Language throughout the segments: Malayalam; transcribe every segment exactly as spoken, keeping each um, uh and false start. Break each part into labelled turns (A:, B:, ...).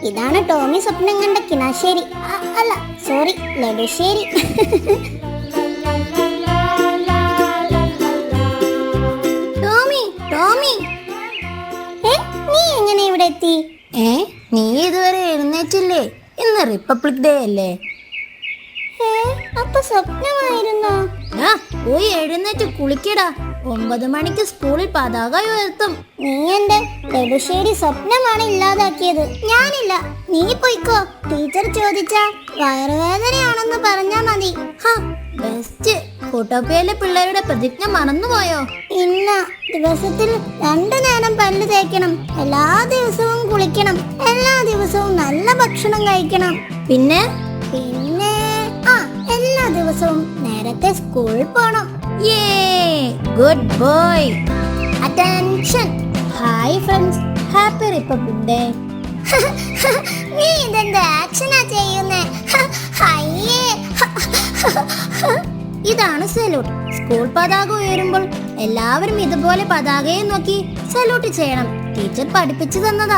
A: ഇതാണ് ടോമി സ്വപ്നം കണ്ട കിണാശ്ശേരി. അല്ല സോറി, ലഡുശ്ശേരി. ടോമി ടോമി നീ എങ്ങനെ ഇവിടെ എത്തി?
B: ഏ നീ ഇതുവരെ എഴുന്നേറ്റില്ലേ? ഇന്ന് റിപ്പബ്ലിക് ഡേ അല്ലേ?
A: അപ്പൊ സ്വപ്നമായിരുന്നോ?
B: ആ പോയി എഴുന്നേറ്റ് കുളിക്കടാ. ഒമ്പത് മണിക്ക് സ്കൂളിൽ പതാക ഉയർത്തും.
A: നീ എന്റെ ലഡുശ്ശേരി സ്വപ്നമാണ് ഇല്ലാതാക്കിയത്. ഞാനില്ല, നീ പോയിക്കോ. ടീച്ചർ ചോദിച്ചാ വയറുവേദനയാണെന്ന് പറഞ്ഞാ മതി.
B: ബെസ്റ്റ്. ഫോട്ടോപ്പിയയിലെ പിള്ളേരുടെ പ്രതിജ്ഞ മറന്നുപോയോ?
A: ഇന്ന ദിവസത്തിൽ രണ്ടു നേരം പല്ല് തേക്കണം, എല്ലാ ദിവസവും കുളിക്കണം, എല്ലാ ദിവസവും നല്ല ഭക്ഷണം കഴിക്കണം.
B: പിന്നെ
A: പിന്നെ ആ എല്ലാ ദിവസവും നേരത്തെ സ്കൂളിൽ പോണം.
B: യേ good boy. Attention. Hi friends, happy republic day.
A: നീ ഇതെന്താ ആക്ഷനാ ചെയ്യുന്നേ?
B: ഇതാണ് സല്യൂട്ട്. സ്കൂൾ പതാക ഉയരുമ്പോൾ എല്ലാവരും ഇതുപോലെ പതാകയെ നോക്കി സല്യൂട്ട് ചെയ്യണം. ടീച്ചർ പഠിപ്പിച്ചു തന്നതാ.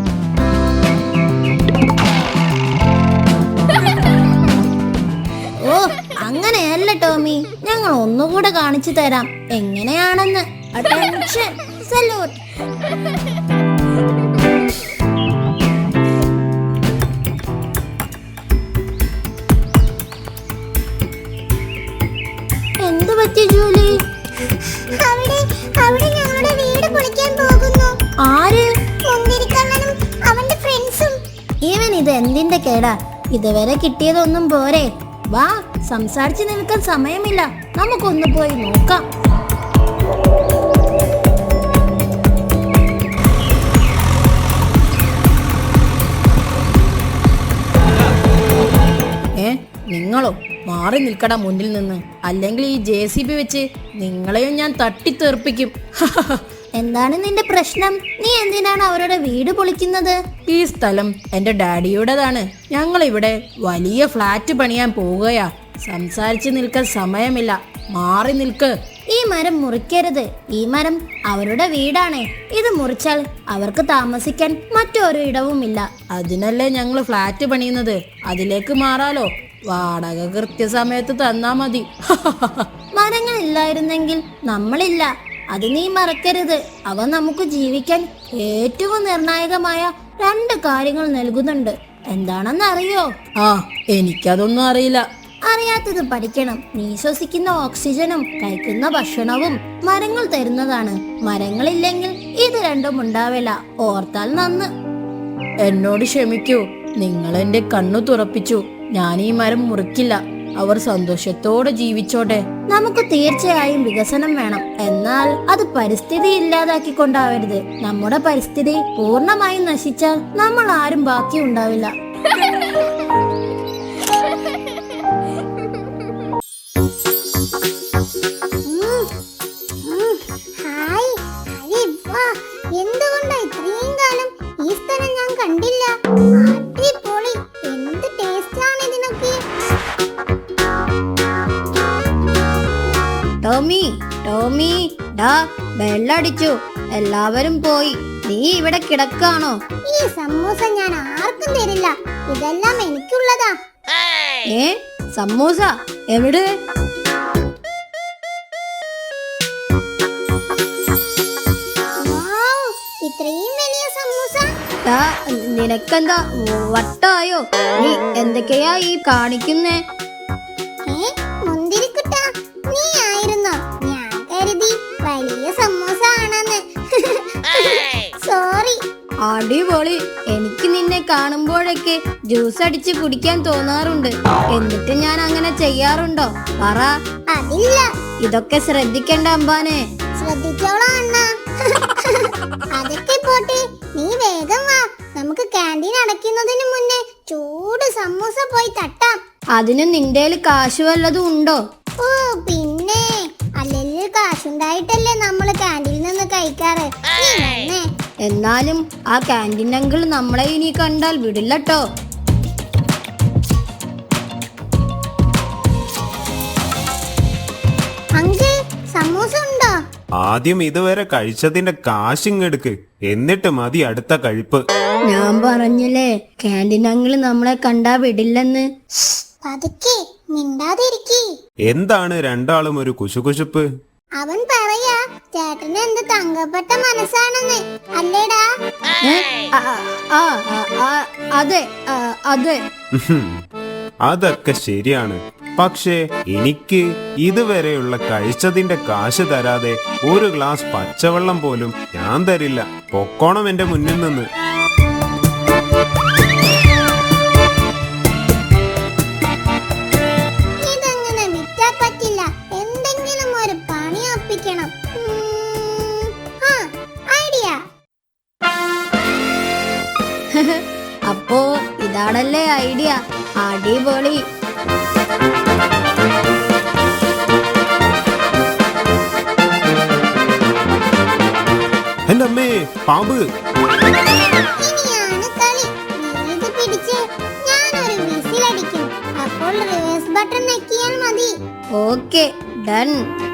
B: ഓ അങ്ങനെയല്ല ടോമി, ഞങ്ങൾ ഒന്നുകൂടെ കാണിച്ചു തരാം എങ്ങനെയാണെന്ന്. Attention, salute. എന്ത് പറ്റി ജൂലി?
A: അവിടെ അവിടെ ഞങ്ങളുടെ വീട് പൊളിക്കാൻ പോകുന്നു.
B: ആര്?
A: മുന്തിരിക്കണ്ണനും അവന്റെ ഫ്രണ്ട്സും.
B: ഇവൻ ഇത് എന്തിന്റെ കേടാ? ഇതുവരെ കിട്ടിയതൊന്നും പോരെ. വാ, സംസാരിച്ചു നിൽക്കാൻ സമയമില്ല, നമുക്കൊന്ന് പോയി നോക്കാം. ഏ നിങ്ങളോ? മാറി നിൽക്കടാ മുന്നിൽ നിന്ന്, അല്ലെങ്കിൽ ഈ ജെ സി ബി വെച്ച് നിങ്ങളെയും ഞാൻ തട്ടിത്തെറിപ്പിക്കും. എന്താണ് നിന്റെ പ്രശ്നം? നീ എന്തിനാണ് അവരുടെ വീട് പൊളിക്കുന്നത്? ഈ സ്ഥലം എന്റെ ഡാഡിയുടേതാണ്. ഞങ്ങൾ ഇവിടെ വലിയ ഫ്ലാറ്റ് പണിയാൻ പോവുകയാ. സംസാരിച്ചു നിൽക്കാൻ സമയമില്ല, മാറി നിൽക്ക്. ഈ മരം മുറിക്കരുത്. ഈ മരം അവരുടെ വീടാണ്. ഇത് മുറിച്ചാൽ അവർക്ക് താമസിക്കാൻ മറ്റൊരു ഇടവുമില്ല. അതിനല്ലേ ഞങ്ങൾ ഫ്ലാറ്റ് പണിയുന്നത്. അതിലേക്ക് മാറാലോ. വാടക കൃത്യസമയത്ത് തന്നാ മതി. മരങ്ങൾ ഇല്ലായിരുന്നെങ്കിൽ നമ്മളില്ല, അത് നീ മറക്കരുത്. അവ നമുക്ക് ജീവിക്കാൻ ഏറ്റവും നിർണായകമായ രണ്ട് കാര്യങ്ങൾ നൽകുന്നുണ്ട്. എന്താണെന്ന് അറിയോ? ആ എനിക്കതൊന്നും അറിയില്ല. അറിയാത്തത് പഠിക്കണം. നീ ശ്വസിക്കുന്ന ഓക്സിജനും കഴിക്കുന്ന ഭക്ഷണവും മരങ്ങൾ തരുന്നതാണ്. മരങ്ങളില്ലെങ്കിൽ ഇത് രണ്ടും ഉണ്ടാവില്ല. ഓർത്താൽ നന്ന്. എന്നോട് ക്ഷമിക്കൂ, നിങ്ങൾ എന്റെ കണ്ണു തുറപ്പിച്ചു. ഞാൻ ഈ മരം മുറിക്കില്ല. അവർ സന്തോഷത്തോടെ ജീവിച്ചോട്ടെ. നമുക്ക് തീർച്ചയായും വികസനം വേണം, എന്നാൽ അത് പരിസ്ഥിതി ഇല്ലാതാക്കിക്കൊണ്ടാവരുത്. നമ്മുടെ പരിസ്ഥിതി പൂർണ്ണമായും നശിച്ചാൽ നമ്മൾ ആരും ബാക്കി ഉണ്ടാവില്ല.
A: എന്തുകൊണ്ടാ ഇത്രയും കാലം ഈ സ്ഥലം ഞാൻ കണ്ടില്ല? അടിപൊളി, എന്ത് ടേസ്റ്റ് ആണ് ഇതിനൊക്കെ.
B: ടോമി ടോമി ഡാ, ബെല്ലടിച്ചു. എല്ലാവരും പോയി. നീ ഇവിടെ കിടക്കാണോ?
A: ഈ സമൂസ ഞാൻ ആർക്കും തരില്ല. ഇതെല്ലാം എനിക്കുള്ളതാ.
B: ഏ സമൂസ എവിടെ?
A: ഇത്രയും വലിയ സമൂസ.
B: നിനക്കെന്താ വട്ടായോ? നീ എന്തൊക്കെയാ ഈ കാണിക്കുന്നേ?
A: മുന്തിരിക്കുട്ടാ, നീ ആയിരുന്നോ? ഞാൻ കരുതി വലിയ സമൂസ ആണെന്ന്. സോറി.
B: അടിപൊളി. എനിക്ക് നിന്നെ കാണുമ്പോഴൊക്കെ ജ്യൂസ് അടിച്ച് കുടിക്കാൻ തോന്നാറുണ്ട്. എന്നിട്ട് ഞാൻ അങ്ങനെ ചെയ്യാറുണ്ടോ? പറ.
A: അതില്ല.
B: ഇതൊക്കെ ശ്രദ്ധിക്കണ്ട അമ്പാനെ.
A: ശ്രദ്ധിച്ചോളാം അണ്ണ. അതൊക്കെ പോട്ടെ, നീ വേഗം വാ. നമുക്ക് ക്യാൻറ്റീൻ അടയ്ക്കുന്നതിന് മുന്നേ ചൂട് സമൂസ പോയി തട്ടാം.
B: അതിന് നിന്റെ കാശ് വല്ലതും ഉണ്ടോ?
A: ഓ പിന്നെ, അല്ലെങ്കിൽ കാശുണ്ടായിട്ടല്ലേ നമ്മള് ക്യാൻറ്റീനിൽ നിന്ന് കഴിക്കാറ്.
B: എന്നാലും ആ ക്യാൻറ്റീൻ അങ്കിൾ നമ്മളെ ഇനി കണ്ടാൽ വിടില്ലട്ടോ.
A: അങ്കിൾ, സമൂസ ഉണ്ടോ?
C: ആദ്യം ഇതുവരെ കഴിച്ചതിന്റെ കാശിങ്ങെടുക്ക്, എന്നിട്ട് മതി അടുത്ത കഴിപ്പ്.
B: ഞാൻ പറഞ്ഞില്ലേ ക്യാൻറ്റീൻ അങ്കിള് നമ്മളെ കണ്ടാ വിടില്ലെന്ന്.
A: പതുക്കെ മിണ്ടാതിരിക്കി.
C: എന്താണ് രണ്ടാളും ഒരു കുശുകുശുപ്പ്?
A: അവൻ പറയാ ചേട്ടന് എന്ത് തങ്കപ്പെട്ട മനസ്സാണെന്ന്, അല്ലേടാ?
B: ഏ? ആ, ആ, ആ, ആ, അതെ ആ, അതെ.
C: ഉഹും. അതൊക്കെ ശരിയാണ്. പക്ഷേ എനിക്ക് ഇതുവരെയുള്ള കഴിച്ചതിന്റെ കാശ് തരാതെ ഒരു ഗ്ലാസ് പച്ചവെള്ളം പോലും ഞാൻ തരില്ല. പൊക്കോണം എന്റെ മുന്നിൽ നിന്ന്.
A: ഇതങ്ങനെ വിറ്റാ പറ്റില്ല, എന്തെങ്കിലും ഒരു പണി ഒപ്പിക്കണം. ഉം, ആ, ഐഡിയ.
B: അപ്പോ ഇതാണല്ലേ ഐഡിയ. അടിപൊളി.
C: എന്റെ അമ്മേ, പാമ്പ്!
A: ഇനിയാണ് കളി. നീ ഇത് പിടിച്ച് ഞാനൊരു വിസിലടിക്കും. അപ്പോൾ റിവേഴ്സ് ബട്ടൺ ഞെക്കിയാൽ മതി.
B: Okay, done.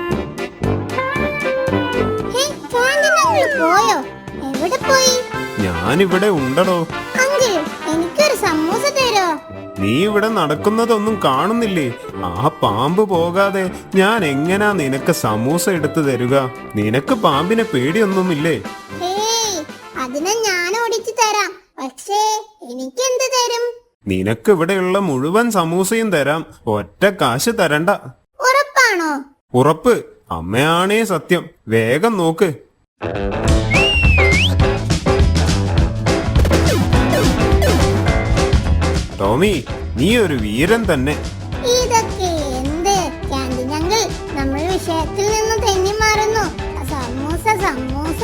A: Hey, canteen uncle പോയോ? എവിടെ പോയി?
C: ഞാനിവിടെ ഉണ്ടടോ.
A: അങ്കിൾ, എനിക്കൊരു സമൂസ തരോ?
C: നീ ഇവിടെ നടക്കുന്നതൊന്നും കാണുന്നില്ലേ? ആ പാമ്പ് പോകാതെ ഞാൻ എങ്ങനാ നിനക്ക് സമൂസ എടുത്തു തരുക? നിനക്ക് പാമ്പിനെ പേടിയൊന്നുമില്ലേ?
A: ഹേയ്, അതിനെ ഞാൻ ഓടിച്ചു തരാം. പക്ഷേ എനിക്കെന്ത് തരും?
C: നിനക്ക് ഇവിടെയുള്ള മുഴുവൻ സമൂസയും തരാം. ഒറ്റ കാശ് തരണ്ട.
A: ഉറപ്പാണോ?
C: ഉറപ്പ്. അമ്മയാണേ സത്യം. വേഗം നോക്ക്. ടോമി, നീ ഒരു വീരൻ തന്നെ.
A: ഇതൊക്കെ എന്ത് ക്യാൻറ്റീൻ അങ്കിൾ? നമ്മൾ വിഷയത്തിൽ നിന്ന് തെന്നി മാറുന്നു. സമൂസ സമൂസ.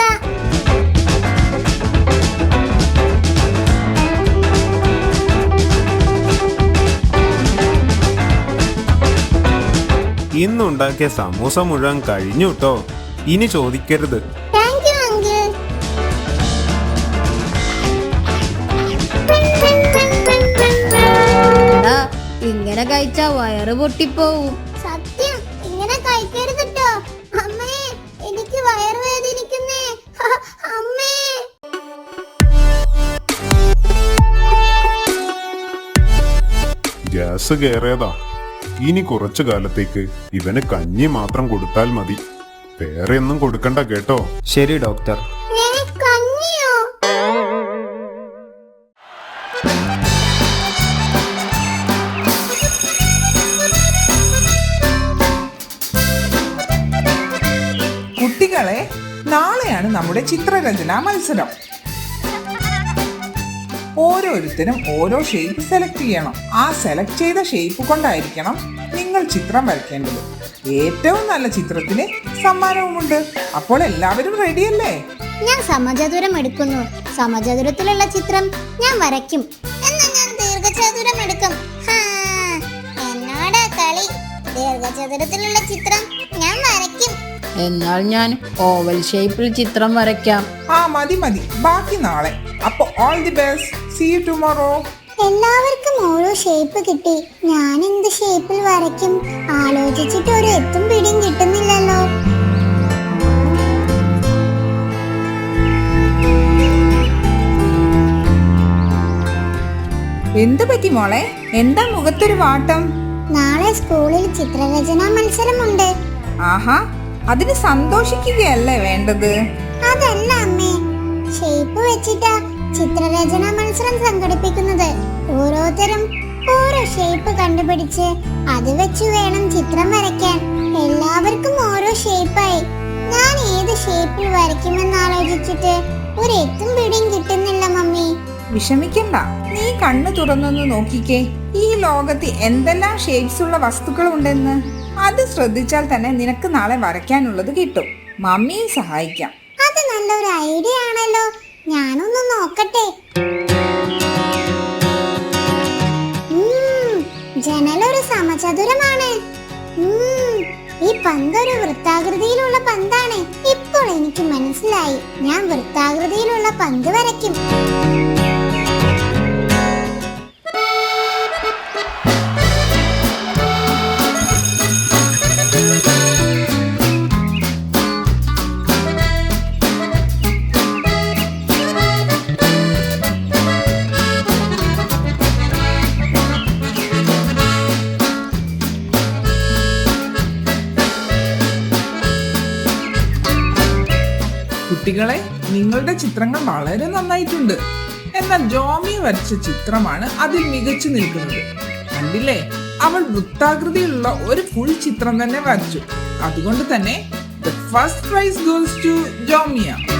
C: ഇന്നുണ്ടാക്കിയ സമൂസ മുഴുവൻ കഴിഞ്ഞു ട്ടോ. ഇനി ചോദിക്കരുത്.
A: Thank you uncle.
B: എടാ, ഇങ്ങനെ കഴിച്ചാ വയറ് പൊട്ടിപ്പോവും.
A: സത്യം, ഇങ്ങനെ കഴിക്കരുത് ട്ടോ. അമ്മേ, എനിക്ക് വയറുവേദനിക്കുന്നേ. ഹ, അമ്മേ.
D: ഗ്യാസ് കയറിയതാ. ഇനി കുറച്ചു കാലത്തേക്ക് ഇവന് കഞ്ഞി മാത്രം കൊടുത്താൽ മതി. വേറെ ഒന്നും കൊടുക്കണ്ട കേട്ടോ.
C: ശരി ഡോക്ടർ.
A: ഏ, കഞ്ഞിയോ?
E: കുട്ടികളെ, നാളെയാണ് നമ്മുടെ ചിത്രരചനാ മത്സരം. ഓരോരുത്തരും ഓരോ ഷേപ്പ് സെലക്ട് ചെയ്യണം. ആ സെലക്ട് ചെയ്ത ഷേപ്പ് കൊണ്ടായിരിക്കണം നിങ്ങൾ ചിത്രം വരയ്ക്കേണ്ടത്. ഏറ്റവും നല്ല ചിത്രത്തിന് സമ്മാനവുമുണ്ട്. അപ്പോൾ എല്ലാവരും റെഡിയല്ലേ?
A: ഞാൻ സമചതുരം എടുക്കുന്നു. സമചതുരത്തിലുള്ള ചിത്രം ഞാൻ വരയ്ക്കും. എന്നാ ഞാൻ ദീർഘചതുരം എടുക്കും. ഹാ, എന്നോടാ കളി. ദീർഘചതുരത്തിലുള്ള ചിത്രം ഞാൻ വരയ്ക്കും.
B: എന്നാൽ ഞാൻ ഓവൽ ഷേപ്പിൽ ചിത്രം വരയ്ക്കാം.
E: ആ മതി മതി, ബാക്കി നാളെ. അപ്പൊ all the best. See you tomorrow.
A: എല്ലാവർക്കും ഓരോ ഷേപ്പ് കിട്ടി. ഞാൻ എന്ത് ഷേപ്പിൽ വരയ്ക്കും? ആലോചിച്ചിട്ട് ഒരു എത്തും പിടിയും കിട്ടുന്നില്ലല്ലോ.
E: എന്ത് പറ്റി മോളെ? എന്താ മുഖത്തൊരു വാട്ടം?
A: നാളെ സ്കൂളിൽ ചിത്രരചനാ മത്സരമുണ്ട്.
E: ആഹാ, അതിന് സന്തോഷിക്കുകയല്ലേ വേണ്ടത്?
A: അതല്ല അമ്മേ, ഷേപ്പ് വെച്ചിട്ടാ ചിത്രരചനാ മത്സരം സംഘടിപ്പിക്കുന്നത്. ഓരോരുത്തരും ഓരോ ഷേപ്പ് കണ്ടുപിടിച്ച് അത് വെച്ച് വേണം ചിത്രം വരയ്ക്കാൻ. എല്ലാവർക്കും ഓരോ ഷേപ്പായി. ഞാൻ ഏത് ഷേപ്പിൽ വരയ്ക്കുമെന്ന് ആലോചിച്ചിട്ട് ഒരു എത്തും പിടിയും കിട്ടുന്നില്ല മമ്മി.
E: വിഷമിക്കണ്ട, നീ കണ്ണു തുറന്നൊന്ന് നോക്കിക്കേ. ഈ ലോകത്ത് എന്തെല്ലാം ഷേപ്സ് ഉള്ള വസ്തുക്കൾ ഉണ്ടെന്ന്. അത് ശ്രദ്ധിച്ചാൽ തന്നെ നിനക്ക് നാളെ വരയ്ക്കാനുള്ളത് കിട്ടും. മമ്മിയെ സഹായിക്കാം.
A: അത് നല്ലൊരു ഐഡിയ ആണല്ലോ. ഞാനൊന്ന് നോക്കട്ടെ. ഉം, ജനലൊരു സമചതുരമാണ്. ഉം, ഈ പന്തൊരു വൃത്താകൃതിയിലുള്ള പന്താണ്. ഇപ്പോൾ എനിക്ക് മനസ്സിലായി. ഞാൻ വൃത്താകൃതിയിലുള്ള പന്ത് വരയ്ക്കും.
E: കുട്ടികളെ, നിങ്ങളുടെ ചിത്രങ്ങൾ വളരെ നന്നായിട്ടുണ്ട്. എന്നാൽ ജോമിയ വരച്ച ചിത്രമാണ് അതിൽ മികച്ചു നിൽക്കുന്നത്. കണ്ടില്ലേ, അവൾ വൃത്താകൃതിയിലുള്ള ഒരു ഫുൾ ചിത്രം തന്നെ വരച്ചു. അതുകൊണ്ട് തന്നെ the first prize goes to ജോമിയ.